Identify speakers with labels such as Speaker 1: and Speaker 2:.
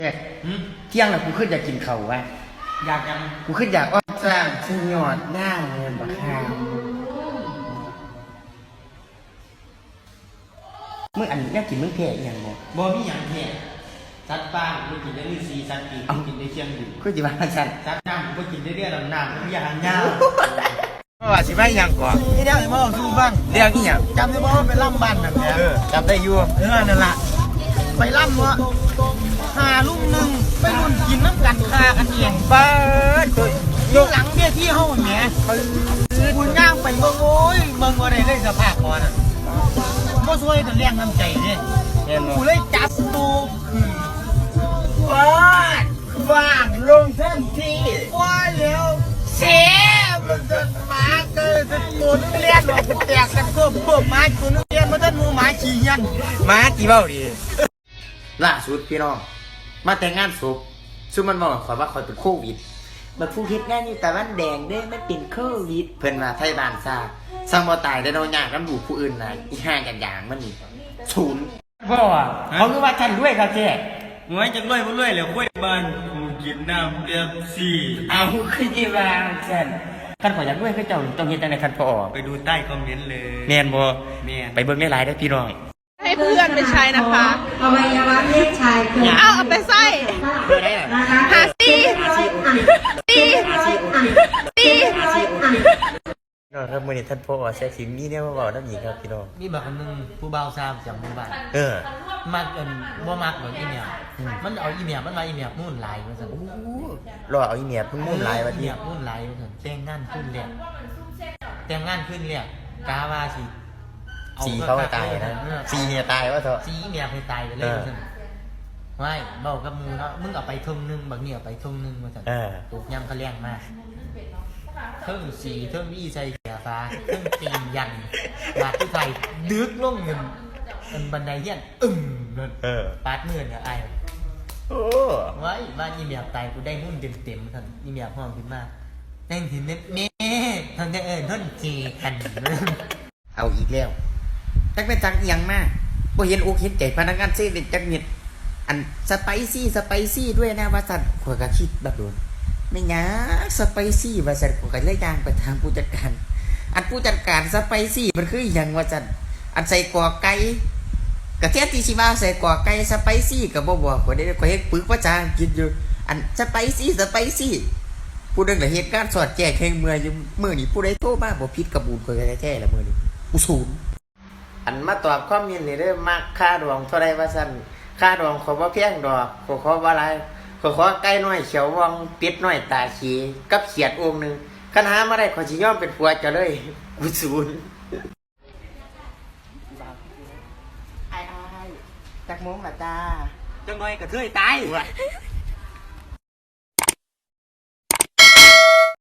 Speaker 1: เที่ยงแล้วกูขึ้นอยากกินข้าววะ
Speaker 2: อยากยัง
Speaker 1: กูขึ้นอยากอ้อนสร้างซึ่งยอดหน้าเงินบักฮามึงอันนี้กินมึงแพ้ยังไง
Speaker 2: บ่มีอย่างแท้สัตว์ป่าไม่กินได้ฤาษีสัตว์ปีกกินได้เชียงอยู่
Speaker 1: คือจิมาสัน
Speaker 2: สัตว์น้ำไม่กินได้เรื่อยๆน้ำไม่อยากยาว
Speaker 1: ว่าสิไม่ยังก่อน
Speaker 2: นี่เดี๋ยวมาสู้บ้าง
Speaker 1: เรื่องนี้ยัง
Speaker 2: จำได้บ่ว่าไปล่ำบ้านนั่นแหละ
Speaker 1: จำได้อยู่
Speaker 2: นั่นแหละไปล่ำวะหาลุงหนึ่งไปรุ่นกินน้ำกันคากันเอง
Speaker 1: บ้า
Speaker 2: อยู่หลังเบี้ยที่ห้องแหมคุณย่างไปเมืองโอ้ยเมืองอะไรได้สภาพก่อนอ่ะบ่ช่วยแต่แรงน้ำใจเนี่ยกูเลยจับตู
Speaker 1: ว่างลงทันที
Speaker 2: ว่าแล้วเสียมันจะมาเกิดตัวนึงเลี้ยนออกแตกกันก็เพิ่มมาตัวนึงเลี้ยนมาตั้งมูหมาขี้ยัน
Speaker 1: มากี่เบ้าดีล่าสุดพี่น้องมาแต่งงานศพซึ่งมันบอกขอว่าคอยเป็นโควิดมาผู้เฮ็ดงานอยู่แต่วันแดงเด้ไม่เป็นโควิดเพิ่นมาไทยบ้านซาสร้างบ่ตายได้โดนยากน้ำดูผู้อื่นนะอีห่างกันอย่างมันนี่ศูนย์บ่เขาคือว่าฉันด้วยครับเจ๊
Speaker 2: งวยจะรวยบ่รวยแล้วค่อยบ้านกูกินน้ำเดือดสี่
Speaker 1: เอาคือจีบางฉันคันขออยากด้วยคือเจ้าต้องเฮ็ดจังได๋คันพอ
Speaker 2: ไปดูใต้คอมเมนต์เลย
Speaker 1: แม่นบ่
Speaker 2: แม่น
Speaker 1: ไปเบิ่งหลายๆได้พี่น้อง
Speaker 3: ให้เพื่อนไปใช้นะคะ
Speaker 4: อวัยวะเพศชายเกิด
Speaker 3: เอาไปใส่หาซี
Speaker 1: น้องครับมื้อนี้ท่านพ่อแซ่สิมีแนวมาเว้านำอีกครับพี่น้อง
Speaker 2: มีบักอันนึงผู้บ่าวซามจากหมู่บ้านมักบ่มักเหมือนอีเมียมันเอาอีเมียมันว่าอีเมียมุ่นหลายว่าซั่น
Speaker 1: รอเอาอีเมียเพิ่งมุ่นหลายว่า
Speaker 2: ที่มุ่นหลายว่าซั่นแต่งงานขึ้นแล้วกาว่าสิ
Speaker 1: สีเขาตายนะสีเมียตายว่าเถอะ
Speaker 2: สีเมียเคยตายไปเลยว่าซั่นไม่เบ้ากับมูเนาะมึงเอาไปทุ่งนึงบางเนี่ยเอาไปทุ่งนึงว่าซั่นตกยำเขาแรงมากเทิงสีเทิงอี้ใส่เสียฟ้าเทิงตีนยันบาดที่ไทยดึกลงเงินบันไดเฮี้ยนปาดเมื่อเนี่ยไอ้ไว้บ้านอีเมียตายกูได้หุ้นเต็มท่านอีเมียห้องขึ้นมาแต่งถึงเน่ท่านจะท่านเจกัน
Speaker 1: เอาอีกแล้วจักเป็นจังเอียงมากบ่เห็นอกเห็นใจพนักงานเซเว่นจักเม็ดอันสไปซี่ด้วยนะว่าสัตว์ขวดกระคิดแบบโดนไม่งาสไปซี่ว่าสัตว์ขวดกระเลยยางไปทางผู้จัดการอันผู้จัดการสไปซี่มันคืออย่างว่าสัตว์อันใส่กอไก่กระเทียมที่ชิมาใส่กอไก่สไปซี่กับบ่บอกว่าได้ก็เฮ็ดปึกภาษาอังกฤษอยู่อันสไปซี่ผู้นึงละเหตุการณ์สอดแจ้งแข่งเมื่ออยู่มื้อนี้ผู้ใดโทรมาบ่ผิดกระบูนก็แท้ๆละมื้อนี้กูศูนย์อันมาตอบคอมเมนต์นี่เด้อมักค่าดวงเท่าใดว่าซั่นค่าดวงขอบ่แพงดอกขอว่าหลายขอไก่น้อยเขียววังเป็ดน้อยตาขีกับเขียดองค์นึงคันหามาได้ขอสิยอมเป็นผัวเจ้าเลยกูศูนย์ไอ้จักมงล่ะจ้า
Speaker 2: จังน้อยกระเทยตาย